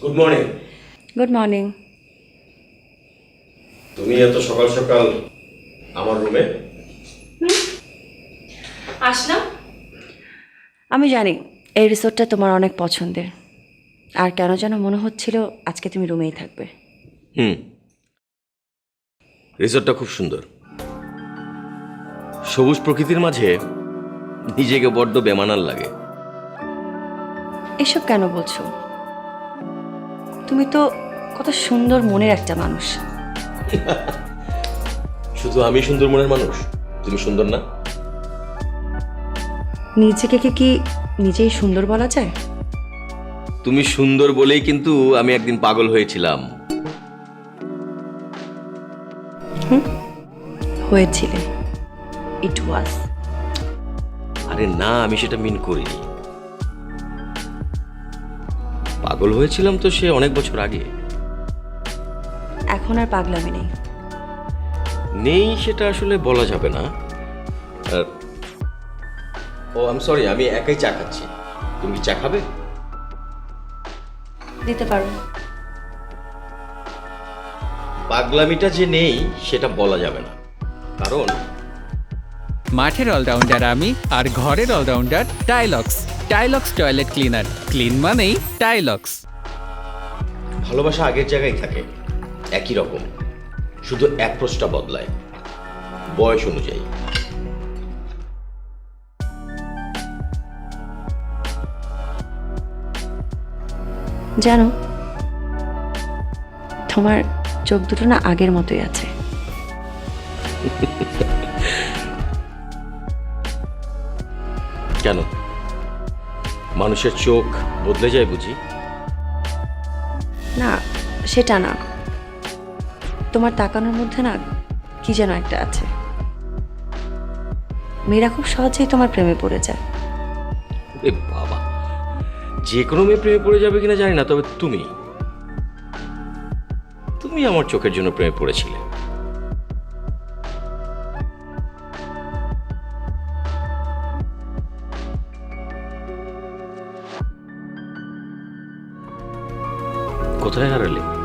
Good morning. Good morning. তুমি এত সকাল সকাল আমার রুমে? আসলাম। আমি জানি এই রিসোর্টটা তোমার অনেক পছন্দের, আর কেন যেন মনে হচ্ছিল আজকে তুমি রুমেই থাকবে। রিসোর্টটা খুব সুন্দর, সবুজ প্রকৃতির মাঝে নিজেকে বড্ড বেমানান লাগে। এসব কেন বলছো? তুমি তো কত সুন্দর মনের একটা মানুষ। শুধু আমি সুন্দর মনের মানুষ, তুমি সুন্দর না? নিজেকে কি নিজেই সুন্দর বলা যায়? তুমি সুন্দর বলেই কিন্তু আমি একদিন পাগল হয়েছিলাম। হয়েছিলে, ইট ওয়াজ। আরে না, আমি সেটা মিন করিনি। পাগল হয়েছিলাম তো সে অনেক বছর আগে। এখন আর পাগলামি নেই। নেই সেটা আসলে বলা যাবে না। ও আই এম সরি, আমি একাই চা খাচ্ছি। তুমি কি চা খাবে? দিতে পারো। পাগলামিটা যে নেই সেটা বলা যাবে না, কারণ মাঠের অলরাউন্ডার আমি, আর ঘরের allrounder Tilex. Tilex toilet cleaner, clean মানেই টাইলক্স। ভালোবাসা আগের জায়গায় থাকে, একই রকম, শুধু অ্যাপ্রোচটা বদলায় বয়স অনুযায়ী। জানো, তোমার চোখ দুটো না আগের মতোই আছে। কেন, মানুষের চোখ বদলে যায় বুঝি? না, সেটা না। তোমার তাকানোর মধ্যে না কি যেন একটা আছে। মেয়েরা খুব সহজেই তোমার প্রেমে পড়ে যায়। এ বাবা, যে কোনো মেয়ে প্রেমে পড়ে যাবে কিনা জানি না, তবে তুমি তুমি আমার চোখের জন্য প্রেমে পড়েছিলে। কোথায় হারালে?